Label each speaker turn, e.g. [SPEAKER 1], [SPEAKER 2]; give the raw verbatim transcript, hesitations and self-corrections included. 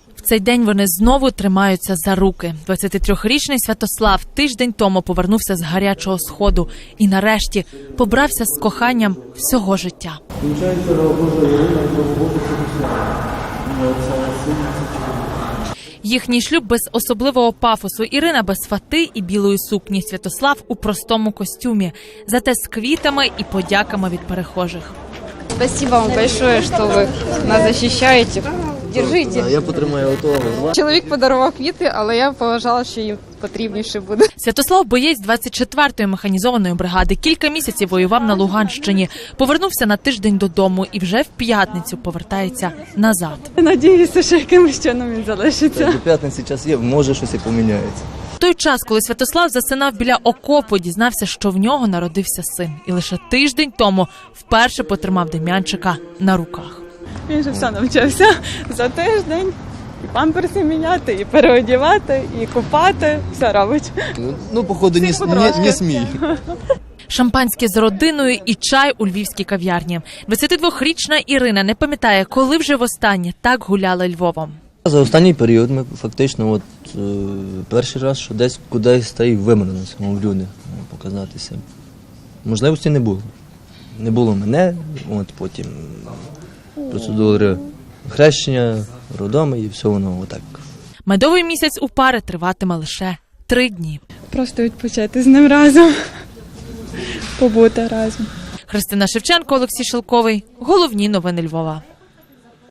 [SPEAKER 1] В цей день вони знову тримаються за руки. двадцятитрирічний Святослав тиждень тому повернувся з гарячого сходу і нарешті побрався з коханням всього життя. Їхній шлюб без особливого пафосу. Ірина без фати і білої сукні. Святослав у простому костюмі, зате з квітами і подяками від перехожих.
[SPEAKER 2] Спасибо вам большое, що ви нас захищаєте. Держите.
[SPEAKER 3] Я потримаю отого.
[SPEAKER 2] Чоловік подарував квіти, але я поважала, що їм потрібніше буде.
[SPEAKER 1] Святослав – боєць двадцять четвертої механізованої бригади. Кілька місяців воював на Луганщині. Повернувся на тиждень додому і вже в п'ятницю повертається назад.
[SPEAKER 2] Надіюся, що якимось чином він залишиться.
[SPEAKER 3] До п'ятниці час є, може щось і поміняється.
[SPEAKER 1] В той час, коли Святослав засинав біля окопу, дізнався, що в нього народився син. І лише тиждень тому вперше потримав Дем'янчика на руках.
[SPEAKER 2] Він же все навчився за тиждень. І памперси міняти, і переодівати, і купати. Все робить.
[SPEAKER 3] Ну, походу, не, не, не смій.
[SPEAKER 1] Шампанське з родиною і чай у львівській кав'ярні. двадцятидвохрічна Ірина не пам'ятає, коли вже востаннє так гуляла Львовом.
[SPEAKER 3] За останній період ми фактично от, е, перший раз, що десь кудись та й вимирилися, мов люди, показатися. Можливості не було. Не було мене, от потім процедури хрещення, родоми і все воно отак.
[SPEAKER 1] Медовий місяць у пари триватиме лише три дні.
[SPEAKER 2] Просто відпочити з ним разом, побути разом.
[SPEAKER 1] Христина Шевченко, Олексій Шелковий. Головні новини Львова.